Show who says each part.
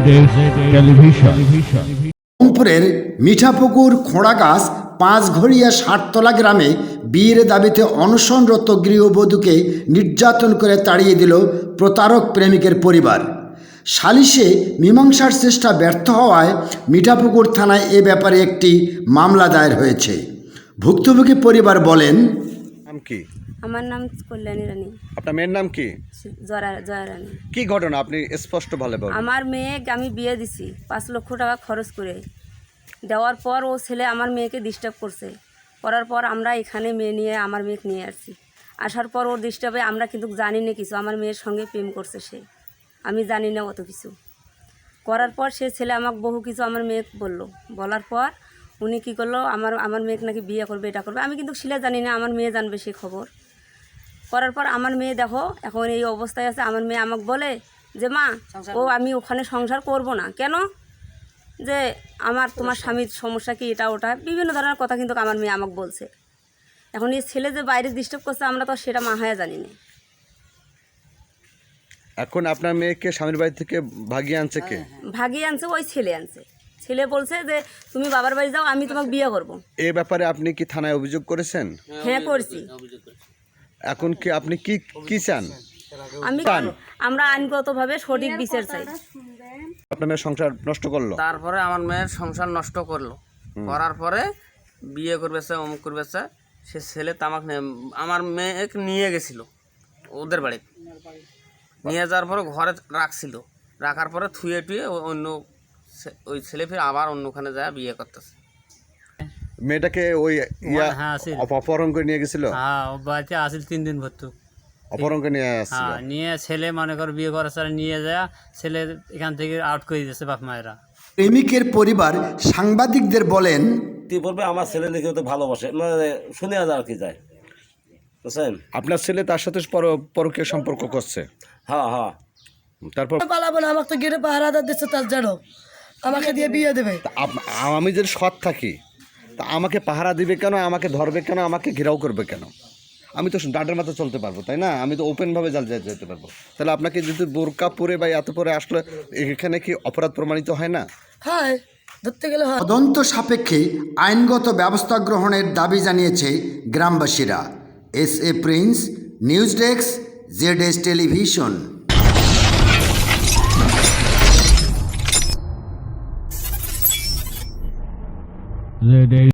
Speaker 1: রংপুরের মিঠাপুকুর খোঁড়াগাছ পাঁচঘড়িয়া ষাটতলা গ্রামে বিয়ের দাবিতে অনশনরত গৃহবধূকে নির্যাতন করে তাড়িয়ে দিল প্রতারক প্রেমিকের পরিবার। সালিশে মীমাংসার চেষ্টা ব্যর্থ হওয়ায় মিঠাপুকুর থানায় এ ব্যাপারে একটি মামলা দায়ের হয়েছে। ভুক্তভোগী পরিবার বলেন,
Speaker 2: নাম কি?
Speaker 3: আমার নাম কল্যাণী রানী।
Speaker 2: আপনার মেয়ের নাম কি?
Speaker 3: জয়া রানী।
Speaker 2: কি ঘটনা আপনি স্পষ্ট ভাবে বলুন।
Speaker 3: আমার মেয়েকে আমি বিয়ে দিছি 5 লক্ষ টাকা খরচ করে। দেওয়ার পর ও ছেলে আমার মেয়েকে ডিস্টার্ব করার পর আমরা এখানে আমার মেয়েকে নিয়ে আসছি। আসার পর ওর ডিস্টার্বে আমরা কিন্তু জানি না কিছু, আমার মেয়ের সঙ্গে প্রেম করছে সে, আমি জানি না অত কিছু। করার পর সে ছেলে আমাকে বহু কিছু আমার মেয়েকে বলার পর উনি কী করলো, আমার মেয়েকে নাকি বিয়ে করবে, এটা করবে। আমি কিন্তু শিলা জানি না, আমার মেয়ে জানবে সে খবর। করার পর আমার মেয়ে দেখো এখন এই অবস্থায় আছে। আমার মেয়ে আমাকে বলে যে মা আমি ওখানে সংসার করব না। কেন? যে তোমার স্বামীর সমস্যা কি, এটা ওটা বিভিন্ন ধরনের কথা কিন্তু আমার মেয়ে আমাকে বলছে। এখন এই ছেলে যে বাইরে ডিস্টার্ব করছে আমরা তো সেটা মাহায়া জানি না।
Speaker 2: এখন আপনার মেয়েকে স্বামীর বাড়ি থেকে ভাগিয়ে আনছে কে?
Speaker 3: ভাগিয়ে আনছে ওই ছেলে আনছে। ছেলে বলছে যে তুমি বাবার বাড়ি যাও, আমি তোমাকে বিয়ে করব।
Speaker 2: এই ব্যাপারে আপনি কি থানায় অভিযোগ করেছেন?
Speaker 3: হ্যাঁ করছি।
Speaker 2: এখন কি আপনি কি চান?
Speaker 3: আমরা আইনগতভাবে সঠিক বিচার চাই।
Speaker 2: আপনার মেয়ের সংসার নষ্ট করলো,
Speaker 4: তারপরে আমার মেয়ের সংসার নষ্ট করলো। করার পরে বিয়ে করবেছে, অমুক করবেছে। সে ছেলে তামাক আমার মেয়েকে নিয়ে গেছিল ওদের বাড়ি, নিয়ে যাওয়ার পরে ঘরে রাখছিল। রাখার পরে থুয়ে টুয়ে ওই ছেলে ফিরে আবার অন্যখানে যায় বিয়ে করতেছে।
Speaker 2: মেয়েটাকে ওই অপহরণ করে নিয়ে গেছিল।
Speaker 5: হ্যাঁ, ও বাড়িতে আসিল 3 দিন ভর্তু।
Speaker 2: অপহরণ করে নিয়ে আসছিল।
Speaker 5: হ্যাঁ, নিয়ে ছেলে মনে কর বিয়ে করার সাথে নিয়ে যায়, ছেলে এখান থেকে আউট করে দিয়েছে বাপ মায়েরা।
Speaker 1: প্রেমিকের পরিবার সাংবাদিকদের বলেন,
Speaker 6: বলবে আমার ছেলে দেখে তো ভালোবাসে, মানে শুনে আর কি যায় বুঝছেন।
Speaker 2: আপনার ছেলে তার সাথে পরকীয় সম্পর্ক করছে?
Speaker 6: হ্যাঁ হ্যাঁ।
Speaker 2: তারপর
Speaker 7: পালাবো না, আমাকে তো গেটে পাহারাদার দিচ্ছে, তার জানো আমাকে দিয়ে বিয়ে দেবে।
Speaker 2: আমি যদি সৎ থাকি তা আমাকে পাহারা দিবে কেন, আমাকে ধরবে কেন, আমাকে ঘেরাও করবে কেন? আমি তো ডাটের মাথা চলতে পারবো, তাই না? আমি তো ওপেনভাবে যেতে পারবো। তাহলে আপনাকে যদি বোরকা পরে বা এত পরে আসলে এখানে কি অপরাধ প্রমাণিত হয় না?
Speaker 7: হ্যাঁ, ধরতে গেলে হয়।
Speaker 1: তদন্ত সাপেক্ষে আইনগত ব্যবস্থা গ্রহণের দাবি জানিয়েছে গ্রামবাসীরা। SA প্রিন্স, নিউজ ডেস্ক, ZS টেলিভিশন।